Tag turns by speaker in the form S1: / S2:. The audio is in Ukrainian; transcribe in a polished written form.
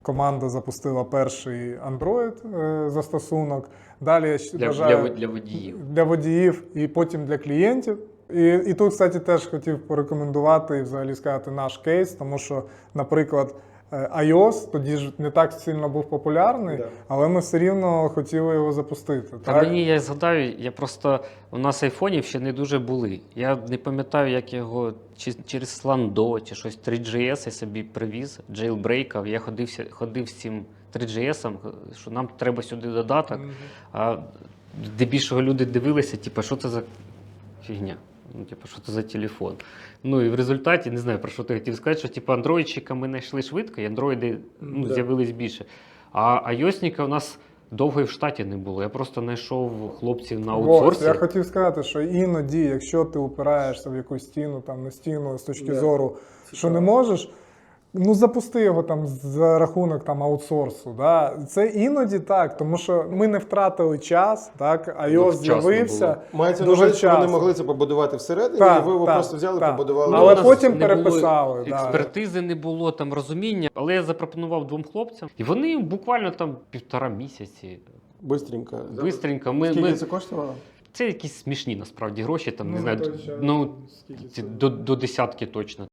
S1: Команда запустила перший Android застосунок. Далі я вважаю,
S2: Для водіїв.
S1: для водіїв і потім для клієнтів. І тут, кстати, теж хотів порекомендувати і взагалі сказати наш кейс, тому що, наприклад, iOS тоді ж не так сильно був популярний, але ми все рівно хотіли його запустити.
S2: Та
S1: так?
S2: мені, я згадаю, у нас айфонів ще не дуже були. Я не пам'ятаю, як його через Slando чи щось 3GS я собі привіз, джейлбрейкав. Я ходив з цим 3GS, що нам треба сюди додаток. А здебільшого люди дивилися, типу, що це за фігня. Ну, типу, що це за телефон. Ну і в результаті, не знаю, про що ти хотів сказати, що типу, андроїдчика ми знайшли швидко, і андроїди з'явились більше. А айосника у нас довго і в штаті не було. Я просто знайшов хлопців на аутсорсі.
S1: Я хотів сказати, що іноді, якщо ти упираєшся в якусь стіну, там не стіну з точки зору, що не можеш, ну запусти його там за рахунок там аутсорсу. Да? Це іноді так, тому що ми не втратили час, так, iOS з'явився.
S3: Мається на
S1: дуже
S3: увазі, що вони
S1: часто.
S3: могли це побудувати всередині,
S1: Так,
S3: і ви його
S1: так,
S3: просто взяли,
S1: так.
S3: побудували.
S1: Але
S2: у нас
S1: потім
S2: не
S1: переписали,
S2: було
S1: да.
S2: експертизи, не було там розуміння. Але я запропонував двом хлопцям, і вони буквально там 1,5 місяці.
S3: Бистренько.
S2: Бистренько.
S3: Скільки це коштувало?
S2: Це якісь смішні насправді гроші, там,
S1: Ну,
S2: не знаю,
S1: той час,
S2: ну,
S1: скільки це?
S2: до десятки точно.